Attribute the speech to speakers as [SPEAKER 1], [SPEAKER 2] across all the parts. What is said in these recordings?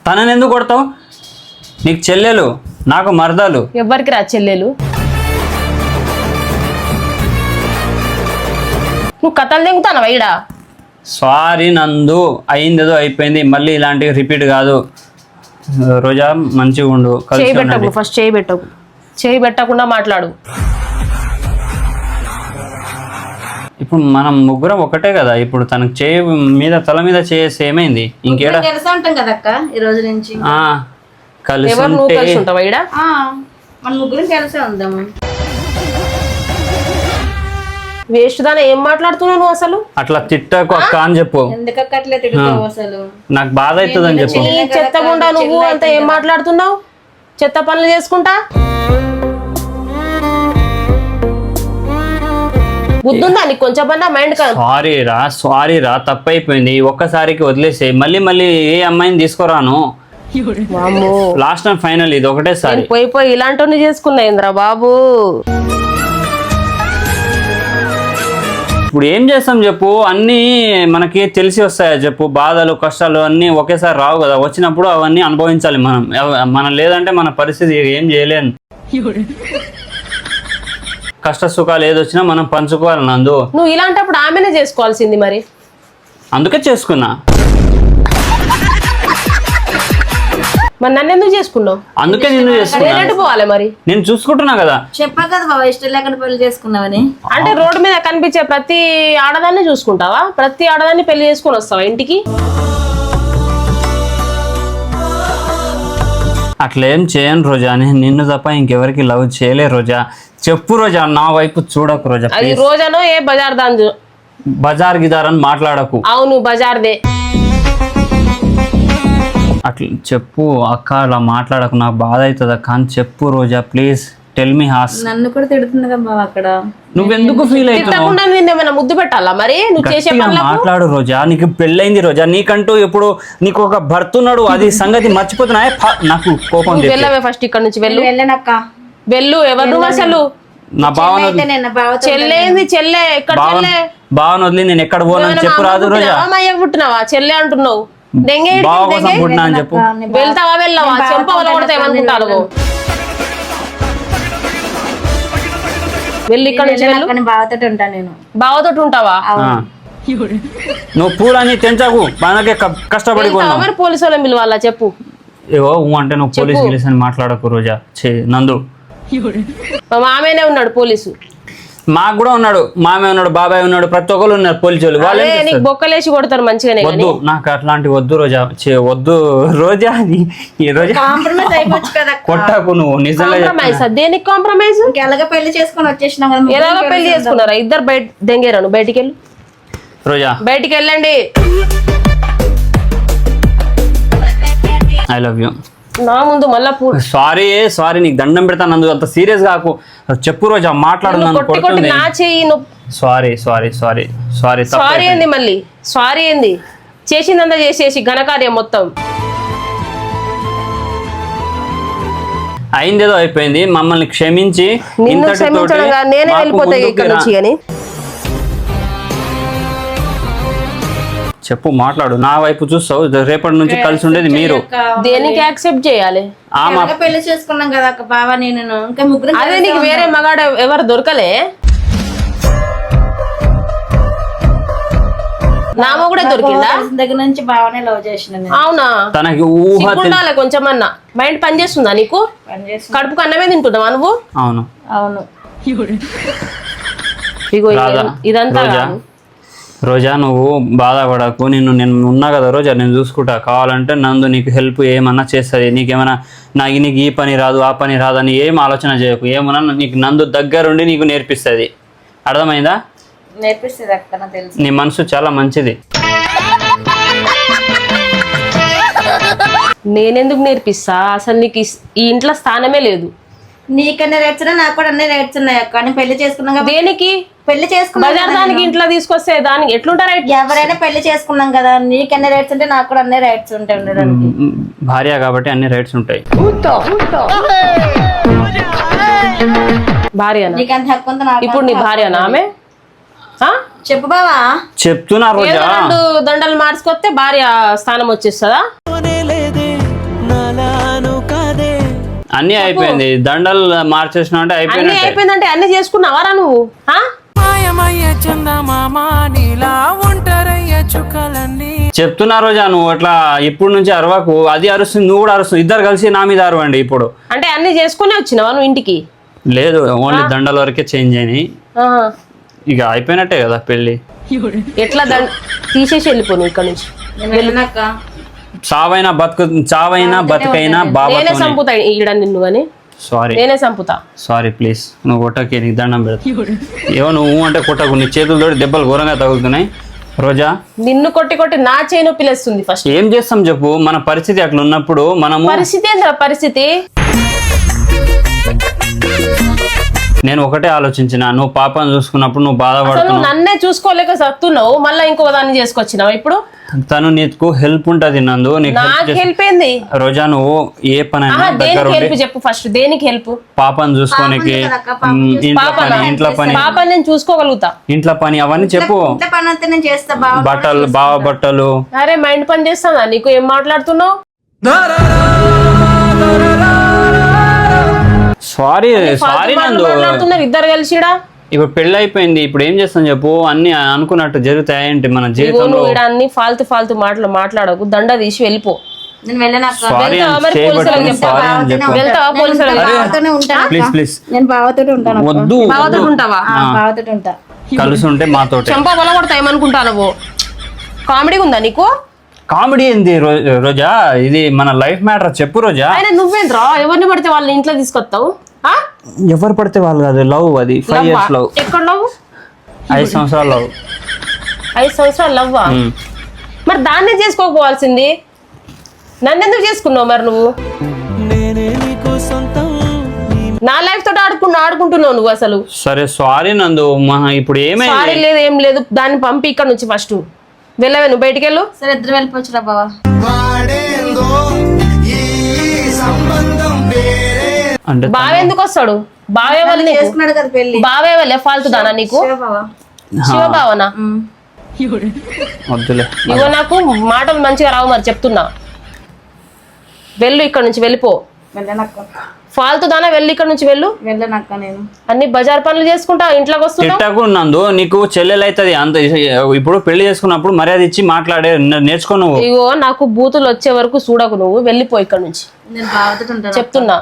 [SPEAKER 1] తనని ఎందుకు కొడతావు? నీకు చెల్లెలు, నాకు మరదలు.
[SPEAKER 2] ఎవరికి రా చెల్లెలు? నువ్వు కథలు దింగుతాను వైడా.
[SPEAKER 1] సారీ నందు, అయిందేదో అయిపోయింది, మళ్ళీ ఇలాంటివి రిపీట్ కాదు. రోజా మంచిగా ఉండు.
[SPEAKER 2] చేయి పెట్టకు, ఫస్ట్ చేయి పెట్టకు, చేయి పెట్టకుండా మాట్లాడు.
[SPEAKER 1] ఇప్పుడు మనం ముగ్గురం ఒకటే కదా. ఇప్పుడు తనకు చేయి మీద తల మీద చేసి ఏమైంది? ఇంకేడా
[SPEAKER 3] కలిసి ఉంటాం కదా అక్క ఈ రోజు నుంచి.
[SPEAKER 1] కలిసి
[SPEAKER 2] ఎవరు నువ్వు కలిసి ఉంటావా ఈడ?
[SPEAKER 3] మన ముగ్గురం కలిసే ఉందాము.
[SPEAKER 2] వేస్ట్ దాని ఏం మాట్లాడుతున్నావు నువ్వు అసలు?
[SPEAKER 1] అట్లా తిట్టకు అక్క అని చెప్పు.
[SPEAKER 3] ఎందుకక్క అట్లా తిడుతావు అసలు?
[SPEAKER 1] నాకు బాధ అవుతుంది అని చెప్పు.
[SPEAKER 2] నీ చెత్తగుండా నువ్వు అంత ఏం మాట్లాడుతున్నావు? చెత్త పనులు చేసుకుంటా బుద్ధుందా నీకు కొంచెమన్నా మైండ్?
[SPEAKER 1] సారీ రా తప్పైపోయింది, ఒక్కసారికి వదిలేసే. మళ్ళీ మళ్ళీ ఏ అమ్మాయిని తీసుకురాను. లాస్ట్ టైం ఫైనల్ ఇది ఒకటేసారి.
[SPEAKER 2] పోయి ఇలాంటి చేసుకున్నా ఇంద్రా బాబు.
[SPEAKER 1] ఇప్పుడు ఏం చేస్తాం చెప్పు? అన్నీ మనకి తెలిసి వస్తాయా చెప్పు? బాధలు కష్టాలు అన్నీ ఒకేసారి రావు కదా. వచ్చినప్పుడు అవన్నీ అనుభవించాలి మనం లేదంటే మన పరిస్థితి ఏం చేయలేను. కష్ట సుఖాలు ఏదొచ్చినా మనం పంచుకోవాలి నందు.
[SPEAKER 2] నువ్వు ఇలాంటప్పుడు ఆమెనే చేసుకోవాల్సింది మరి.
[SPEAKER 1] అందుకే చేసుకున్నా.
[SPEAKER 2] మరి నన్ను ఎందుకు చేసుకున్నావు?
[SPEAKER 1] అందుకే నిన్ను చేసుకున్నా.
[SPEAKER 2] పోవాలి మరి,
[SPEAKER 1] నేను చూసుకుంటున్నా కదా.
[SPEAKER 3] చెప్పా కదా బాబా ఇష్టం లేకుండా పెళ్లి చేసుకున్నావని.
[SPEAKER 2] అంటే రోడ్డు మీద కనిపించే ప్రతి ఆడదాన్ని చూసుకుంటావా? ప్రతి ఆడదాన్ని పెళ్లి చేసుకుని వస్తావా ఇంటికి?
[SPEAKER 1] అట్లేం చేయను రోజా. నిన్ను తప్ప ఇంకెవరికి లవ్ చేయలే రోజా. చెప్పు రోజా, నా వైపు చూడకు రోజా.
[SPEAKER 2] అది రోజానో ఏ బజార్ దాని
[SPEAKER 1] బజార్ గిదార్ అని మాట్లాడకు.
[SPEAKER 2] అవును బజార్దే.
[SPEAKER 1] అట్లా చెప్పు అక్క, అలా మాట్లాడకు, నాకు బాధ అవుతుంది అక్క అని చెప్పు రోజా. ప్లీజ్ టెల్ మీ హాస్.
[SPEAKER 3] నన్ను కూడా తిడుతుంది కదా బాబా అక్కడ.
[SPEAKER 1] నువ్వెందుకు ఫీల్ అవుతున్నావు?
[SPEAKER 2] ఏమైనా ముద్దు పెట్టాలా మరి? నువ్వు చేసే
[SPEAKER 1] మాట్లాడు రోజా. నీకు పెళ్ళైంది రోజా, నీకంటూ ఇప్పుడు నీకు ఒక భర్త ఉన్నాడు, అది సంగతి మర్చిపోతున్నా. నాకు కోపం.
[SPEAKER 2] వెళ్ళవే ఫస్ట్ ఇక్కడ నుంచి.
[SPEAKER 3] వెళ్ళనక్క.
[SPEAKER 2] వెళ్ళు. ఎవరు నువ్వు అసలు?
[SPEAKER 1] నా భావన
[SPEAKER 2] చెల్లేంది? చెల్లె ఎక్కడ? చెల్లె
[SPEAKER 1] భావన వదిలి నేను ఎక్కడ పోనని చెప్పు రాదు రోజా.
[SPEAKER 2] పుట్టినావా? చెల్లె అంటున్నావు.
[SPEAKER 1] బావ కోసం పుట్టినా అని చెప్పు.
[SPEAKER 2] వెళ్తావా? వెళ్ళవా? చెంప కొడతా ఏమనుకుంటారు? వెళ్ళి ఇక్కడ నుంచి.
[SPEAKER 3] బావతోటి ఉంటాను నేను.
[SPEAKER 2] బావతోటి ఉంటావా?
[SPEAKER 1] నువ్వు పూలని తెంచకు, మనకే కష్టపడి
[SPEAKER 2] మరి పోలీసు వాళ్ళని పిలవాలా చెప్పు?
[SPEAKER 1] ఏవో అంటే నువ్వు పోలీసు గిలీసు అని మాట్లాడకు రోజా. నందు
[SPEAKER 2] మా మామయ్యనే ఉన్నాడు పోలీసు.
[SPEAKER 1] మాకు కూడా ఉన్నాడు, మామయ్య ఉన్నాడు, బాబాయ్ ఉన్నాడు, ప్రతి ఒక్కరు ఉన్నారు పోలీసు వాళ్ళు.
[SPEAKER 2] నీకు బొక్కలేసి కొడతారు మంచిగానే.
[SPEAKER 1] వద్దు నాకు అట్లాంటి వద్దు రోజా. వద్దు రోజా. ఈ రోజా
[SPEAKER 3] కాంప్రమైజ్ అయిపోవచ్చు కదా.
[SPEAKER 1] కొట్టాకు నువ్వు. నిజంగా
[SPEAKER 2] దేనికి కాంప్రమైజ్?
[SPEAKER 3] ఎలాగ పెళ్లి చేసుకుని వచ్చేసినాం కదా.
[SPEAKER 2] ఎలాగ పెళ్లి చేసుకున్నారా? ఇద్దరు బయట దెంగేరాను. బయటికి వెళ్ళు
[SPEAKER 1] రోజా.
[SPEAKER 2] బయటికి వెళ్ళండి.
[SPEAKER 1] I love you.
[SPEAKER 2] నా ముందు మళ్ళా
[SPEAKER 1] సారీ నీకు దండం పెడతాను నందు. అంత సీరియస్ కాకు. చెప్పు రోజా, మాట్లాడు.
[SPEAKER 2] నా చెయ్యి.
[SPEAKER 1] సారీ
[SPEAKER 2] సారీ ఏంది మళ్ళీ? సారీ ఏంది? చేసిందంతా చేసేసి ఘనకార్యం మొత్తం
[SPEAKER 1] అయిందేదో అయిపోయింది. మమ్మల్ని క్షమించి
[SPEAKER 2] నిన్ను క్షమించడంగా నేనే వెళ్ళిపోతాయి ఇక్కడ నుంచి. కానీ
[SPEAKER 1] చెప్పు, మాట్లాడు. నా వైపు చూస్తావు. రేపటి నుంచి కలిసి ఉండేది మీరు.
[SPEAKER 2] దేనికి యాక్సెప్ట్ చేయాలి?
[SPEAKER 3] పెళ్లి చేసుకున్నాం కదా అక్క బావ నేను. ఇంకా ముగ్గురు.
[SPEAKER 2] అదే నీకు వేరే మగాడు ఎవరు దొరకలే? నా మొగుడే దొరికిందా?
[SPEAKER 3] దగ్గర నుంచి బావనే లవ్ చేసిన.
[SPEAKER 2] అవునా?
[SPEAKER 1] తనకి
[SPEAKER 2] ఉండాలి కొంచెమన్నా. మైండ్ పని చేస్తుందా నీకు? కడుపుకు అన్నమే తింటున్నావా నువ్వు?
[SPEAKER 1] అవును
[SPEAKER 3] అవును.
[SPEAKER 2] ఇగో ఇదంతా
[SPEAKER 1] రోజా, నువ్వు బాధపడకు. నేను ఉన్నా కదా రోజా, నేను చూసుకుంటా. కావాలంటే నందు నీకు హెల్ప్ ఏమన్నా చేస్తుంది. నీకేమైనా నీకు ఈ పని రాదు ఆ పని రాదు అని ఏం ఆలోచన చేయకు. ఏమన్నా నీకు నందు దగ్గరుండి నీకు నేర్పిస్తుంది. అర్థమైందా?
[SPEAKER 3] నేర్పిస్తుంది అక్క, నాకు తెలుసు.
[SPEAKER 1] నీ మనసు చాలా మంచిది.
[SPEAKER 2] నేనెందుకు నేర్పిస్తా? అసలు నీకు ఈ ఇంట్లో స్థానమే లేదు.
[SPEAKER 3] నీకన్నా రైట్స్ నాకు కూడా అన్ని రైట్స్ ఉన్నాయి అక్క. నేను పెళ్లి చేసుకున్నాం.
[SPEAKER 2] దేనికి
[SPEAKER 3] పెళ్లి చేసుకున్నా?
[SPEAKER 2] బజార్ దానికి ఇంట్లో తీసుకొస్తే దానికి ఎట్లుంటా రైట్?
[SPEAKER 3] ఎవరైనా పెళ్లి చేసుకున్నాం కదా. నీకు అన్ని రైట్స్ ఉంటే నాకు కూడా అన్ని రైట్స్ ఉంటాయి ఉండడానికి.
[SPEAKER 1] భార్య కాబట్టి అన్ని రైట్స్ ఉంటాయి.
[SPEAKER 2] భార్య
[SPEAKER 3] నీకంత హక్కు ఉందా?
[SPEAKER 2] ఇప్పుడు నీ భార్యనా ఆమె?
[SPEAKER 3] చెప్పు బావా.
[SPEAKER 1] చెప్తున్నా రోజా.
[SPEAKER 2] 2 దండలు మార్చుకొస్తే భార్య స్థానం వచ్చేస్తుందా?
[SPEAKER 1] అన్ని అయిపోయింది, దండలు మార్చేసిన అంటే
[SPEAKER 2] అన్ని
[SPEAKER 1] అయిపోయినట్టే.
[SPEAKER 2] అయిపోయిందంటే అన్ని చేసుకున్నావారా నువ్వు? ఆ?
[SPEAKER 1] చెప్తున్నా రోజా, నువ్వు అట్లా ఇప్పుడు నుంచి అరవకు. అది అరుస్తుంది, నువ్వు కూడా అరుస్తుంది, ఇద్దరు కలిసి నా మీద అరవండి ఇప్పుడు.
[SPEAKER 2] అంటే అన్ని చేసుకునే వచ్చినావా నువ్వు ఇంటికి?
[SPEAKER 1] లేదు, ఓన్లీ దండల వరకే చేంజ్ అయినాయి.
[SPEAKER 2] ఆహా.
[SPEAKER 1] ఇక అయిపోయినట్టే కదా పెళ్లి.
[SPEAKER 2] ఎట్లా తీసేసి వెళ్ళిపోను ఇక్కడ నుంచి.
[SPEAKER 3] నేను వెళ్ళినాక
[SPEAKER 1] చావైనా బతుకైనా
[SPEAKER 2] నేనే
[SPEAKER 1] బాబాతో.
[SPEAKER 2] చంపుతా ఈడ నిన్ను గాని,
[SPEAKER 1] సారీ
[SPEAKER 2] నేనే చంపుతా.
[SPEAKER 1] సారీ ప్లీజ్, నువ్వు కొట్టకి, నీకు దండం పెడతా. ఏవో నువ్వు అంటే కొట్టకు, నీ చేతులతో దెబ్బలు ఘోరంగా తగులుతున్నాయి రోజా.
[SPEAKER 2] నిన్ను కొట్టి కొట్టి నా చేయి నొప్పి లేస్తుంది. ఫస్ట్
[SPEAKER 1] ఏం చేస్తాం చెప్పు, మన పరిస్థితి అట్లా ఉన్నప్పుడు మనము.
[SPEAKER 2] పరిస్థితి ఏంద్రా పరిస్థితి?
[SPEAKER 1] నేను ఒకటే ఆలోచించిన, నువ్వు పాపను చూసుకున్నప్పుడు నువ్వు
[SPEAKER 2] అసలు
[SPEAKER 1] బాధపడుతున్నావు,
[SPEAKER 2] నన్నే చూసుకోలేక సత్తున్నావు, మళ్ళీ ఇంకో దాన్ని చేసుకొచ్చినావు ఇప్పుడు.
[SPEAKER 1] తను నీకు హెల్ప్ ఉంటది నందు, నీకు
[SPEAKER 2] నాకు హెల్ప్ ఏంది
[SPEAKER 1] రోజా. నువ్వు ఏ పనైనా దగ్గర
[SPEAKER 2] దేనికి హెల్ప్
[SPEAKER 1] ఉండి
[SPEAKER 2] చెప్పు ఫస్ట్, దేనికి హెల్ప్?
[SPEAKER 1] పాపను చూసుకోనికి, ఇంట్లో పని
[SPEAKER 2] పాపని నేను చూసుకోగలుగుతా.
[SPEAKER 1] ఇంట్లో పని అవన్నీ చెప్పు.
[SPEAKER 3] ఇంత పని అంతా నేను చేస్తా బావ.
[SPEAKER 1] బావ బట్టలు.
[SPEAKER 2] అరే మైండ్ పని చేస్తానా నీకు? ఏం మాట్లాడుతున్నావు?
[SPEAKER 1] సారీ నందు,
[SPEAKER 2] మాట్లాడుతున్నారు ఇద్దరు కలిసిడా.
[SPEAKER 1] ఇప్పుడు పెళ్లి అయిపోయింది, ఇప్పుడు ఏం చేస్తాం చెప్పు. అన్ని అనుకున్నట్టు జరుగుతాయంటే మన జీవితంలో.
[SPEAKER 2] నువ్వు ఈడ అన్ని ఫాల్తు మాటలు మాట్లాడకు, దండ తీసి వెళ్ళిపో.
[SPEAKER 3] నేను వెళ్ళినాక
[SPEAKER 1] సారీ
[SPEAKER 2] వెళ్తావా మరి పోలీసులకు చెప్తావా? వెళ్తావా పోలీసులకు?
[SPEAKER 3] బావతోనే ఉంటాను.
[SPEAKER 1] ప్లీజ్
[SPEAKER 3] నేను బావతోనే ఉంటాను.
[SPEAKER 1] వద్దు,
[SPEAKER 2] బావతో ఉంటావా?
[SPEAKER 3] బావతోనే ఉంటా.
[SPEAKER 1] కలిసి ఉంటే మాతోటే.
[SPEAKER 2] చెంప బల కొడతా ఏమనుకుంటావు? కామెడీ ఉందా నీకు?
[SPEAKER 1] కామెడీ ఏంది రోజా, ఇది మన లైఫ్ మ్యాటర్. చెప్పు రోజా.
[SPEAKER 2] ఆయన నువ్వేంద్రా ఎవరిని పడితే వాళ్ళని ఇంట్లో తీసుకొస్తావు?
[SPEAKER 1] ఎవరు పడితే వాళ్ళు కాదు, లవ్ అది 5 years లవ్.
[SPEAKER 2] ఎక్కడ లవ్?
[SPEAKER 1] 5 సంవత్సరాలు లవ్.
[SPEAKER 2] 5 సంవత్సరాలు లవ్వా? మరి దాన్నే చేసుకోకపోవాల్సింది, నన్నెందుకు చేసుకున్నావు మరి నువ్వు? నా లైఫ్ తోటి ఆడుకుంటున్నావు నువ్వు అసలు.
[SPEAKER 1] సరే సారీ నందు, ఇప్పుడు
[SPEAKER 2] సారీ
[SPEAKER 1] ఏమైంది?
[SPEAKER 2] లేదు ఏం లేదు, దాన్ని పంపి ఇక్కడ నుంచి ఫస్ట్ వెళ్ళవే, నువ్వు బయటికి వెళ్ళు.
[SPEAKER 3] సరే ఇద్దరు వెళ్ళిపోవచ్చురా బావ.
[SPEAKER 1] అంటే
[SPEAKER 2] బావ ఎందుకు వస్తాడు? బావే వాళ్ళు నీకు?
[SPEAKER 3] చేసుకున్నాడు కదా పెళ్లి.
[SPEAKER 2] బావే వాళ్ళే ఫాల్తు దానా నీకు?
[SPEAKER 3] బావ.
[SPEAKER 2] శివబావనా?
[SPEAKER 1] వద్దులే.
[SPEAKER 2] ఇగో నాకు మాటలు మంచిగా రావు మరి చెప్తున్నా. వెళ్ళు ఇక్కడ నుంచి, వెళ్ళిపో.
[SPEAKER 3] వెళ్ళనక్క.
[SPEAKER 2] ఫాల్తు దానా, వెళ్ళి ఇక్కడ నుంచి వెళ్ళు.
[SPEAKER 3] వెళ్ళనక్క నేను.
[SPEAKER 2] అన్ని బజార్ పనులు చేసుకుంటా ఇంట్లోకి వస్తున్నావు.
[SPEAKER 1] తిట్టకు నందు, నీకు చెల్లెలు అవుతుంది అంత. ఇప్పుడు పెళ్లి చేసుకున్నప్పుడు మర్యాద ఇచ్చి మాట్లాడే నేర్చుకో నువ్వు.
[SPEAKER 2] ఇగో నాకు బూతులు వచ్చే వరకు చూడకు, నువ్వు వెళ్ళిపో ఇక్కడ నుంచి
[SPEAKER 3] నేను బావతో ఉంటాను.
[SPEAKER 2] చెప్తున్నా.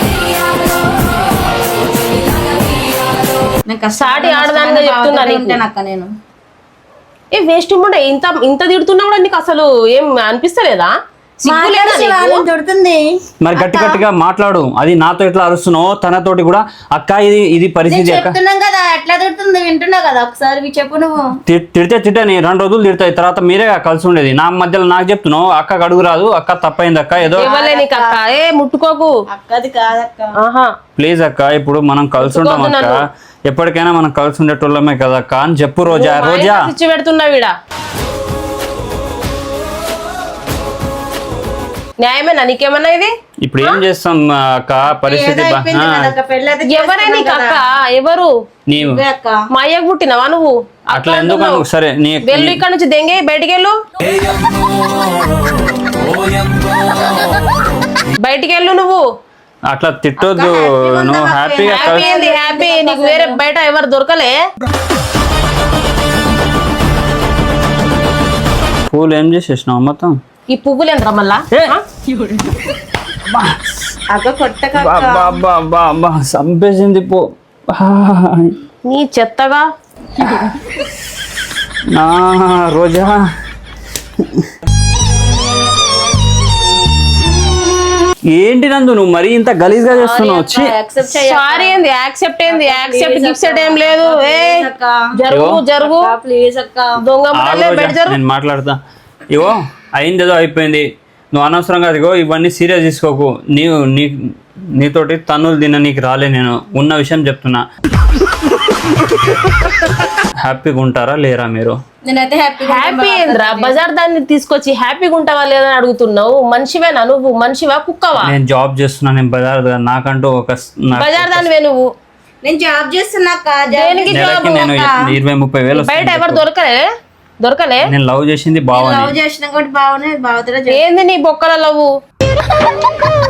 [SPEAKER 2] సాటి ఆడదానిగా చెప్తున్నా నీకు.
[SPEAKER 3] ఉంటానక్క నేను.
[SPEAKER 2] ఏ వేస్ట్ ఉండే, ఇంత తిడుతున్నా కూడా నీకు అసలు ఏం అనిపిస్తలేదా? సిగ్గు లేదా నీకు?
[SPEAKER 3] దొరుకుతుంది.
[SPEAKER 1] మరి గట్టిగా మాట్లాడు. అది నాతో ఎట్లా అరుస్తున్నావు, తనతోటి కూడా అక్క ఇది పరిస్థితి అక్క.
[SPEAKER 3] చెప్తున్నాం కదా ఎట్లా దొరుకుతుంది, వింటున్నా కదా. ఒకసారి చెప్పు నువ్వు.
[SPEAKER 1] తిట్టని 2 రోజులు తిడతాయి, తర్వాత మీరే కలిసి ఉండేది. నా మధ్యలో నాకు చెప్తున్నావు అక్కకు అడుగు రాదు, అక్క తప్పైంది అక్క ఏదో.
[SPEAKER 2] ఇవ్వలే నీకు అక్క, ఏ ముట్టుకోకు.
[SPEAKER 3] అక్కది కాదక్క.
[SPEAKER 2] ఆహా
[SPEAKER 1] ప్లీజ్ అక్క, ఇప్పుడు మనం కలిసి ఉంటాం అక్క, ఎప్పటికైనా మనం కలిసి ఉండేటోళ్ళమే కదా అక్క అని చెప్పు రోజా. రోజా
[SPEAKER 2] పిచ్చి పెడుతున్నావు ఈడ. న్యాయమేనా నీకేమన్నా ఇది?
[SPEAKER 1] ఇప్పుడు ఏం చేస్తాం అక్క, పరిస్థితి
[SPEAKER 2] ఎవరే నీకు అక్క? ఎవరు?
[SPEAKER 1] నీవు
[SPEAKER 2] మా అయ్యకు పుట్టినవా నువ్వు?
[SPEAKER 1] అట్లా ఎందుకు? సరే
[SPEAKER 2] వెళ్ళు ఇక్కడ నుంచి, దెంగే బయటికి వెళ్ళు. బయటికి వెళ్ళు నువ్వు.
[SPEAKER 1] అట్లా తిట్టొద్దు. నువ్వు హ్యాపీగా
[SPEAKER 2] హ్యాపీ నీకు వేరే బయట ఎవరు దొరకలే?
[SPEAKER 1] పూలు ఏం చేసేసినావు మొత్తం?
[SPEAKER 2] ఈ పువ్వులు ఎంత మళ్ళా?
[SPEAKER 3] అక్క కొట్టక.
[SPEAKER 1] చంపేసింది పో.
[SPEAKER 2] నీ చెత్తగా.
[SPEAKER 1] రోజా ఏంటి నందు నువ్వు మరీ ఇంత గలీజ్ గా చేస్తున్నావు?
[SPEAKER 2] సారీ ఏంది? యాక్సెప్ట్ ఏంది? గిఫ్ట్ ఏం లేదు. జరుగు
[SPEAKER 3] ప్లీజ్ అక్క.
[SPEAKER 2] దొంగ బెడ్ జరుగు.
[SPEAKER 1] నేను మాట్లాడతా. ఇగో అయిందేదో అయిపోయింది, నువ్వు అనవసరంగా అదిగో ఇవన్నీ సీరియస్ తీసుకోకు. నీతోటి తన్నులు తిన్న నీకు రాలే, నేను ఉన్న విషయం చెప్తున్నా. హ్యాపీగా ఉంటారా లేరా మీరు?
[SPEAKER 3] నేనైతే
[SPEAKER 2] హ్యాపీ ఏంద్రా? బజార్ దాన్ని తీసుకొచ్చి హ్యాపీగా ఉంటావా లేదని అడుగుతున్నావు. మనిషివేనా నువ్వు? మనిషివా కుక్కవా?
[SPEAKER 1] నేను జాబ్ చేస్తున్నా, నేను బజార్ నాకంటూ
[SPEAKER 2] బజార్ దానివే నువ్వు.
[SPEAKER 3] నేను జాబ్ చేస్తున్నా.
[SPEAKER 2] దేనికి జాబ్?
[SPEAKER 1] నేను 20-30 వేలు
[SPEAKER 2] బయట ఎవరు దొరకలే.
[SPEAKER 1] నేను లవ్ చేసింది బావ.
[SPEAKER 3] లవ్ చేసిన కూడా బావనే. బావతో
[SPEAKER 2] ఏంది నీ బొక్కల లవ్?